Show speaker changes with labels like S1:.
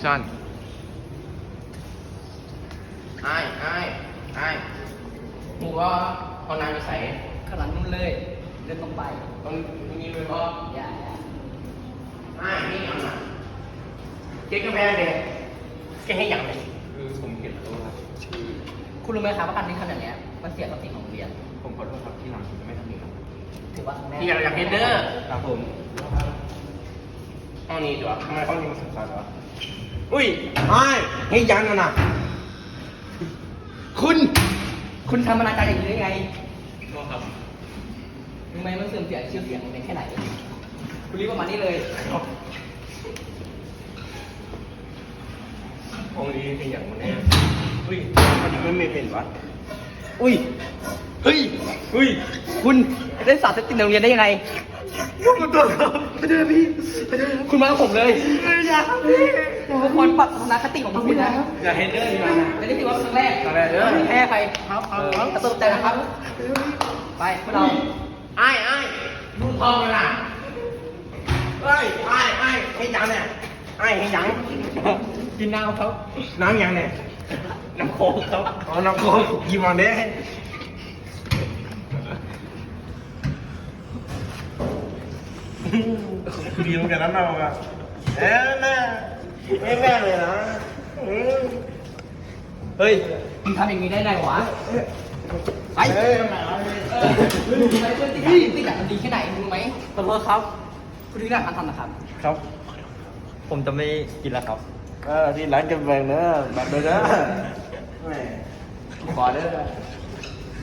S1: ชั่นไอ้มึงว่าเอานายไปใส่
S2: ข้างหลังนู่นเลยเดินตรงไป
S1: ตรงนี้เลยพ่อ
S2: อย่า
S1: นี่ยังไงเก๊กกาแฟเด็กแกให้ยังเลยคือผมเห็นแล้วครับ
S2: คุณรู้ไหมครับว่าการที่ทำอย่างเนี้ยมันเสียศักดิ์ศรีของโรงเรียน
S1: ผมขอโทษครับที่หลังผมจะไม่ทำอีกครับ
S2: ถือว่าครั้งแรก
S1: ที่อยากเห็นเด้อครับผมห้องนี้ดีกว่าทำไมห้องนี้มันสำคัญวะอุ้ยให้ยังนะ
S2: คุณทำอนาจารอย่างนี้ได้ไง
S1: ก็ครับ
S2: รู้ไหมมันเสื่อมเสียชื่อเสียงโรงเรียนแค่ไหนคุณรีบประมาณนี้เลย
S1: ห้องนี้เป็นอย่างมันแน่อุ้ยมันไม่เป็นวะอุ้ย
S2: คุณได้สารเสพติดในโรงเรียนได้ยังไง
S1: มันตัวครับไปเจอพี่
S2: คุณมากับผมเลย
S1: อย่าครับพี่
S2: ทุกคนปรับทัศนคติของคุณนะ
S1: อย่าเห็นเด้ออย่า
S2: และนี่ถือว่าเป็นครั้งแรก
S1: ครั้งแรกเด้อ
S2: ไม่แพ้ใคร
S1: ครับ
S2: กระตุ้นใจนะครับ ไปพวกเรา
S1: ดูทองเลยล่ะให้ยังเนี่ยให้ยัง
S2: กินน้ำครับ
S1: น้ำยังเนี่ยน้ำโค้กครับอ๋อน้ำโค้กกินมาเด้ดีเหมือนกันนะเราอะแม่เลยนะ
S2: เฮ้ยมึงทำอย่างนี้ได้ไงวะไปไปเพื่อนติดอ่ะมันดีแค่ไหนรู้ไหมขอโทษครับ คุณที่ร้านทำนะครับ
S1: ครับ
S3: ผมจะไม่กินแล้วครับ
S1: ที่ร้านกันแบ่งเนอะแบบเนอะแหมขอเด้อ